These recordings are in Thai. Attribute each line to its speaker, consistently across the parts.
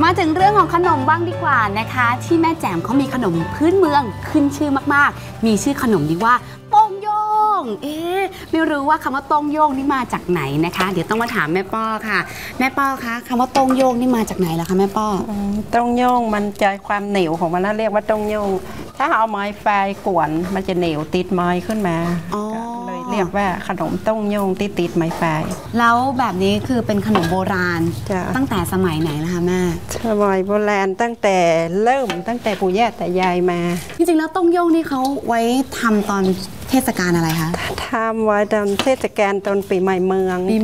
Speaker 1: มาถึงเรื่องของขนมบ้างดีกว่านะคะที่แม่แจ่มเขามีขนมพื้นเมืองขึ้นชื่อมากๆมีชื่อขนมนี้ว่าโต้งโย่งไม่รู้ว่าคำว่าโต้งโย่งนี่มาจากไหนนะคะเดี๋ยวต้องมาถามแม่ป้อค่ะแม่ป้อคะคำว่าโต้งโย่งนี่มาจากไหนล่ะคะแม่ป้อ
Speaker 2: โต้งโย่งมันจะความเหนียวของมันน่าเรียกว่าโต้งโย่งถ้าเอาไม้ไฟกวนมันจะเหนียวติดไม้ขึ้นมาเลยเรียกว่าขนมโต้งโย่งติดไม้ไฟ
Speaker 1: แล้วแบบนี้คือเป็นขนมโบราณตั้งแต่สมัยไหนล่ะคะแม่
Speaker 2: สมัยโบราณตั้งแต่ปู่ย่าตายายมา
Speaker 1: จริงๆแล้วโต้งโย่งนี่เขาไว้ทำตอนเทศกาลอะไรคะ
Speaker 2: ทำไว้ตอนเทศกาลตอนปีใหม่เมืองปี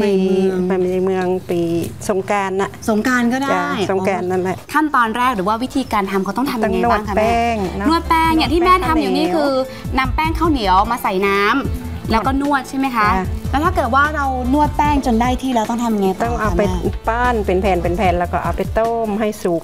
Speaker 2: สงกรานต์น่ะ
Speaker 1: สงกรานต์ก็ได้
Speaker 2: สงกรานต์นั่นแหละ
Speaker 1: ขั้นตอนแรกหรือว่าวิธีการทำเขาต้องทำยังไงบ้างคะแม่นวดแป้งอย่างที่แม่ทำอยู่นี่คือนำแป้งข้าวเหนียวมาใส่น้ำแล้วก็นวดใช่ไหมคะแล้วถ้าเกิดว่าเรานวดแป้งจนได้ที่แล้วต้องทำยังไง
Speaker 2: ต้องเอาไปปั้นเป็นแผ่นแล้วก็เอาไปต้มให้สุก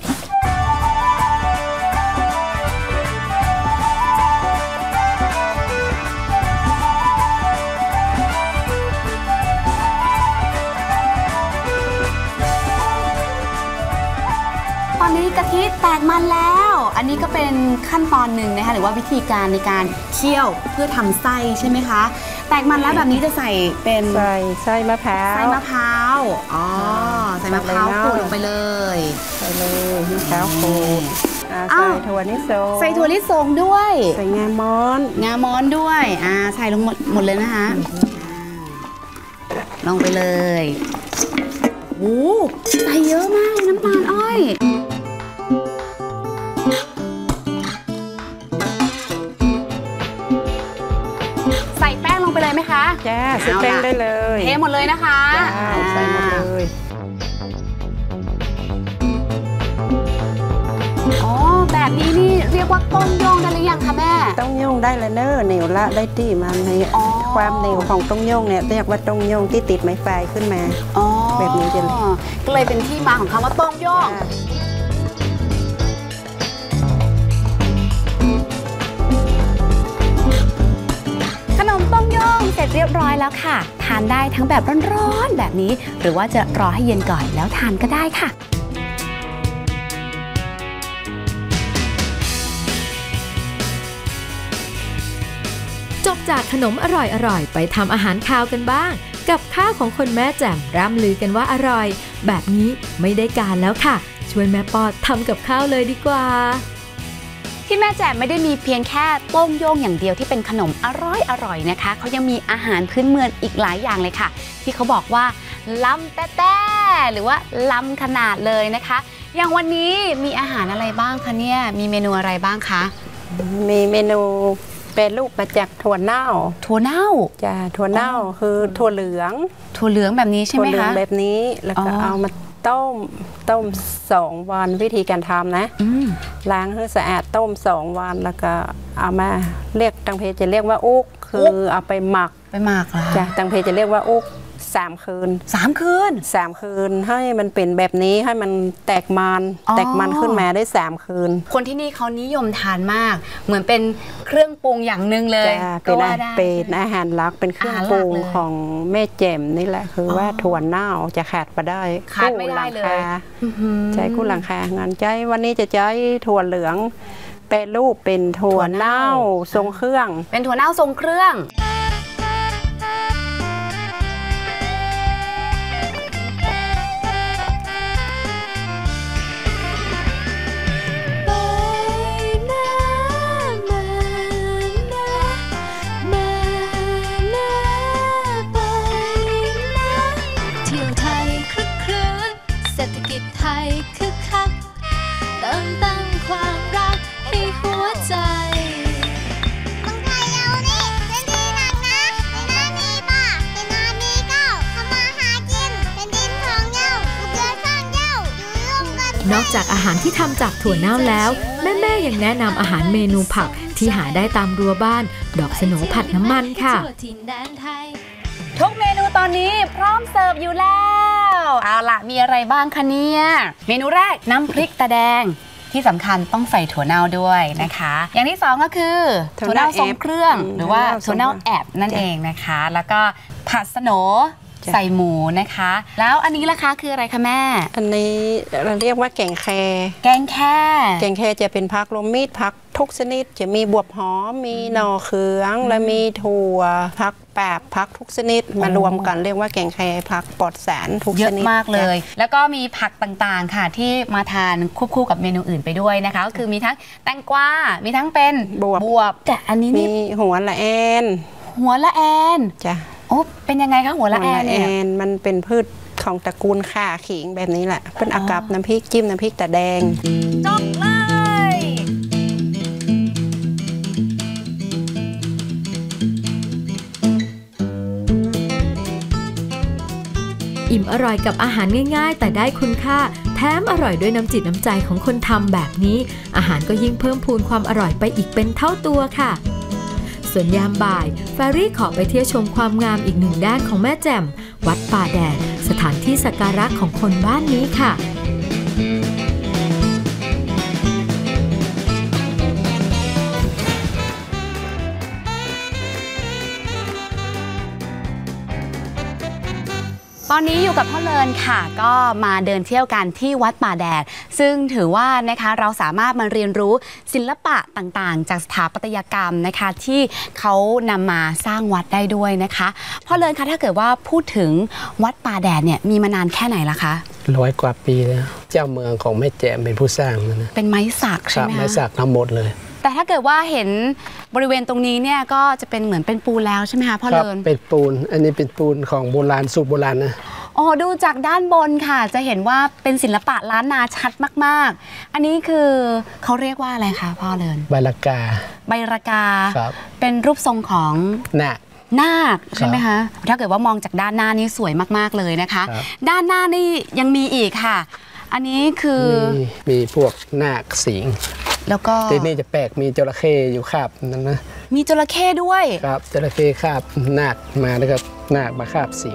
Speaker 1: ตอนนี้กะทิแตกมันแล้วอันนี้ก็เป็นขั้นตอนหนึ่งนะคะหรือว่าวิธีการในการเคี่ยวเพื่อทำไส้ใช่ไหมคะแตกมันแล้วแบบนี้จะใส่เป็น
Speaker 2: ไส้มะพร้าว
Speaker 1: ใส่มะพร้าวขูดลงไปเลย
Speaker 2: ใส่เลยมะพร้าวขูดใส่ถั่วลิสง
Speaker 1: ด้วย
Speaker 2: ใส่งาม
Speaker 1: อนด้วยใส่ลงหมดเลยนะคะลงไปเลยโอ้ใส่เยอะมากน้ำตาลอ้อยใส่แป้งลงไปเลยไหมคะ
Speaker 2: จ้าใส่แป้งได้เลย
Speaker 1: เทหมดเลยนะคะ
Speaker 2: ใส่หมดเลย
Speaker 1: แบบนี้นี่เรียกว่าต้มโย่งได้หรือยังคะแม่
Speaker 2: ต้มโย่งได้แล้วเนอะเหนียวละได้ที่มันในความเหนียวของต้มโย่งเนี่ยเรียกว่าต้มโย่งที่ติดไม้ไฟขึ้นมาแบบนี้
Speaker 1: ก็เลยเป็นที่มาของคำว่าต้มโย่งขนมต้มโย่งเสร็จเรียบร้อยแล้วค่ะทานได้ทั้งแบบร้อนๆแบบนี้หรือว่าจะรอให้เย็นก่อนแล้วทานก็ได้ค่ะ
Speaker 3: จบจากขนมอร่อยๆไปทำอาหารคาวกันบ้างกับข้าวของคนแม่แจ่มร่ำลือกันว่าอร่อยแบบนี้ไม่ได้การแล้วค่ะชวนแม่ปอทำกับข้าวเลยดีกว่า
Speaker 1: ที่แม่แจ่มไม่ได้มีเพียงแค่โต้งโย่งอย่างเดียวที่เป็นขนมอร่อยนะคะเขายังมีอาหารพื้นเมืองอีกหลายอย่างเลยค่ะที่เขาบอกว่าล้ำแต้หรือว่าล้ำขนาดเลยนะคะอย่างวันนี้มีอาหารอะไรบ้างคะเนี่ยมีเมนูอะไรบ้างคะ
Speaker 2: มีเมนูเป็นลูกมาจากถั่วเน่าจ้ะถั่วเน่าคือถั่วเหลือง
Speaker 1: แบบนี้ใช่ไหมคะ
Speaker 2: แบบนี้แล้วก็เอามาต้ม2 วันวิธีการทำนะล้างให้สะอาดต้ม2 วันแล้วก็เอามาเรียกตังเพจะเรียกว่าอุกคือเอาไปหมักจ้ะตังเพจะเรียกว่าอุก3 คืนให้มันเป็นแบบนี้ให้มันแตกมันขึ้นมาได้3 คืน
Speaker 1: คนที่นี่เขานิยมทานมากเหมือนเป็นเครื่องปรุงอย่างหนึ่งเลย
Speaker 2: เป็นอาหารหลักเป็นเครื่องปรุงของแม่แจ่มนี่แหละคือว่าถั่วเน่าจะขาดไม่ได้
Speaker 1: เลย
Speaker 2: ใช้กู้หลังคางานใจวันนี้จะใช้ถั่วเหลืองแปรรูปเป็นถั่วเน่าทรงเครื่อง
Speaker 4: ไทยคึกคักเติมตั้งความรักให้หัวใจต้องไทยเอานี่เป็นดีหนักนะเป็นนามีป่าเป็นนามีเก้าทำมาหากินเป็นดินทองเย้าลูกเรือสร้างเย้าอยู่ร่วมกัน
Speaker 3: นอกจากอาหารที่ทำจากถั่วเน่าแล้วแม่ยังแนะนำอาหารเมนูผักที่หาได้ตามรั้วบ้านดอกสโหนผัดน้ำมันค่ะ
Speaker 1: ทุกเมนูตอนนี้พร้อมเสิร์ฟอยู่แล้วเอาล่ะมีอะไรบ้างคะเนี่ยเมนูแรกน้ำพริกตาแดงที่สำคัญต้องใส่ถั่วเน่าด้วยนะคะอย่างที่2ก็คือถั่วเน่าทรงเครื่องหรือว่าถั่วเน่าแอบนั่นเองนะคะแล้วก็ผัดสโหนใส่หมูนะคะ แล้วอันนี้ล่ะคะคืออะไรคะแม่
Speaker 2: อันนี้เราเรียกว่าแกงแค
Speaker 1: แกงแค่
Speaker 2: จะเป็นผักรวมมิตรผักทุกชนิดจะมีบวบหอมมีหน่อเขืองและมีถั่วผักแปบผักทุกชนิดมารวมกันเรียกว่าแกงแคผักปลอดสารทุกชนิด
Speaker 1: เยอะมากเลยแล้วก็มีผักต่างๆค่ะที่มาทานควบคู่กับเมนูอื่นไปด้วยนะคะก็คือมีทั้งแตงกวามีทั้งเป็นบวบแต่อันนี้
Speaker 2: มีหัวละแอนจ้ะ
Speaker 1: โอ้เป็นยังไงคะหัวละแอนเนี่ย
Speaker 2: มันเป็นพืชของตระกูลข่าขิงแบบนี้แหละเป็นอากับน้ำพริกจิ้มน้ำพริกตาแดง
Speaker 1: จบเลย
Speaker 3: อิ่มอร่อยกับอาหารง่ายๆแต่ได้คุณค่าแถมอร่อยด้วยน้ำจิตน้ำใจของคนทำแบบนี้อาหารก็ยิ่งเพิ่มพูนความอร่อยไปอีกเป็นเท่าตัวค่ะส่วนยามบ่ายแฟรี่ขอไปเที่ยวชมความงามอีกหนึ่งด้านของแม่แจ่มวัดป่าแดดสถานที่สักการะของคนบ้านนี้ค่ะ
Speaker 1: ตอนนี้อยู่กับพ่อเลินค่ะก็มาเดินเที่ยวกันที่วัดป่าแดดซึ่งถือว่านะคะเราสามารถมาเรียนรู้ศิลปะต่างๆจากสถาปัตยกรรมนะคะที่เขานำมาสร้างวัดได้ด้วยนะคะพ่อเลินคะถ้าเกิดว่าพูดถึงวัดป่าแดดเนี่ยมีมานานแค่ไหนละคะ
Speaker 5: 100 กว่าปีแล้วเจ้าเมืองของแม่แจ่มเป็นผู้สร้างนะ
Speaker 1: เป็นไม้สักใช่ไหมคะ
Speaker 5: ไม้สักทั้งหมดเลย
Speaker 1: แต่ถ้าเกิดว่าเห็นบริเวณตรงนี้เนี่ยก็จะเป็นเหมือนเป็นปูนแล้วใช่ไหมคะพ่อเลิน
Speaker 5: เป็นปูนอันนี้เป็นปูนของโบราณสูตรโบราณนะ
Speaker 1: อ๋อดูจากด้านบนค่ะจะเห็นว่าเป็นศิลปะล้านนาชัดมากๆอันนี้คือเขาเรียกว่าอะไรคะพ่อเลิน
Speaker 5: ใบละกา
Speaker 1: เป็นรูปทรงของ
Speaker 5: นาค
Speaker 1: ใช่ไหมคะถ้าเกิดว่ามองจากด้านหน้านี่สวยมากๆเลยนะคะด้านหน้านี่ยังมีอีกค่ะอันนี้คือ
Speaker 5: มีพวกนาคสิง
Speaker 1: แล้วก็
Speaker 5: ที่นี่จะแปลกมีจระเข้อยู่คาบนั่นนะ
Speaker 1: มีจระเข้ด้วย
Speaker 5: ครับจระเข้คาบนาคมาแล้วก็นาคมาคาบสิง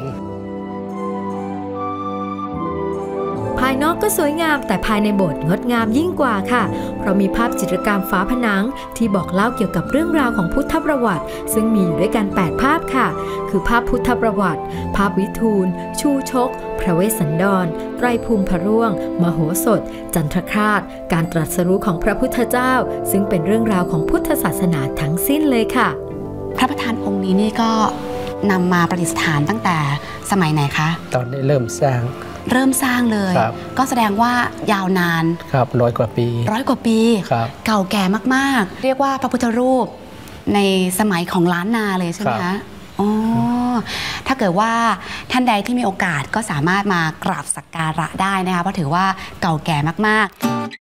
Speaker 3: ภายนอกก็สวยงามแต่ภายในโบสถ์งดงามยิ่งกว่าค่ะเพราะมีภาพจิตรกรรมฝาผนังที่บอกเล่าเกี่ยวกับเรื่องราวของพุทธประวัติซึ่งมีอยู่ด้วยกัน8ภาพค่ะคือภาพพุทธประวัติภาพวิทูลชูชกพระเวสสันดรไตรภูมิพระร่วงมโหสถจันทคราชการตรัสรู้ของพระพุทธเจ้าซึ่งเป็นเรื่องราวของพุทธศาสนาทั้งสิ้นเลยค่ะ
Speaker 1: พระประธานองค์นี้นี่ก็นำมาประดิษฐานตั้งแต่สมัยไหนคะ
Speaker 5: ตอนนี้เริ่มสร้าง
Speaker 1: เลยก็แสดงว่ายาวนาน
Speaker 5: ครับ100 กว่าปี
Speaker 1: เก่าแก่มากๆเรียกว่าพระพุทธรูปในสมัยของล้านนาเลยใช่ไหมคะอ๋อถ้าเกิดว่าท่านใดที่มีโอกาสก็สามารถมากราบสักการะได้นะคะเพราะถือว่าเก่าแก่มากๆ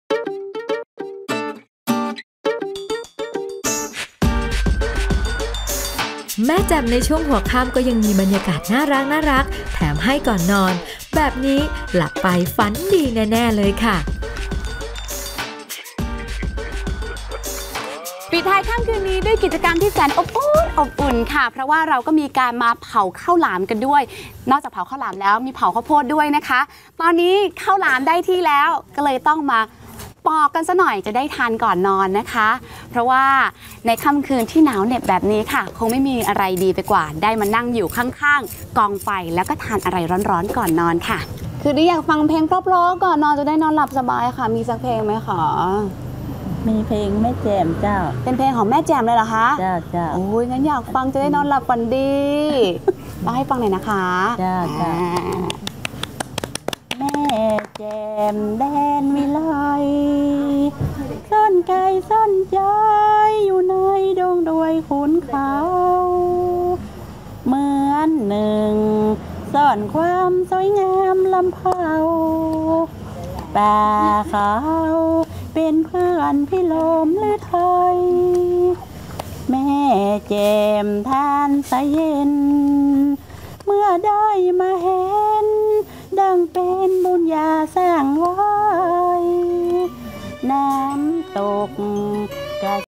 Speaker 3: แม่แจ่มในช่วงหัวค่ำก็ยังมีบรรยากาศน่ารักแถมให้ก่อนนอนแบบนี้หลับไปฝันดีแน่ๆเลยค่ะ
Speaker 1: ปิดท้ายค่ำคืนนี้ด้วยกิจกรรมที่แสนอบอุ่นค่ะเพราะว่าเราก็มีการมาเผาข้าวหลามกันด้วยนอกจากเผาข้าวหลามแล้วมีเผาข้าวโพดด้วยนะคะตอนนี้ข้าวหลามได้ที่แล้วก็เลยต้องมาปอกกันซะหน่อยจะได้ทานก่อนนอนนะคะเพราะว่าในค่ำคืนที่หนาวเหน็บแบบนี้ค่ะคงไม่มีอะไรดีไปกว่าได้มานั่งอยู่ข้างๆกองไฟแล้วก็ทานอะไรร้อนๆก่อนนอนค่ะคือดิอยากฟังเพลงเพราะๆก่อนนอนจะได้นอนหลับสบายค่ะมีสักเพลงไหมคะ
Speaker 2: มีเพลงแม่แจ่มเจ้า
Speaker 1: เป็นเพลงของแม่แจ่มเลยเหรอคะ
Speaker 2: เจ้า
Speaker 1: โอ้ยงั้นอยากฟังจะได้นอนหลับฝันดีมาให้ฟังหน่อยนะคะ
Speaker 2: เจ้าแม่แจ่มแดนวิไลซ่อนกายซ่อนใจอยู่ในดงดวยขุนเขาเหมือนหนึ่งซ่อนความสวยงามลำเผาป่าเขาเป็นเพื่อนพี่ลมหรือไทยแม่แจ่มทานสายเย็นเมื่อได้มาเห็นดังเป็นบุญญาสร้างไว้น้ำตก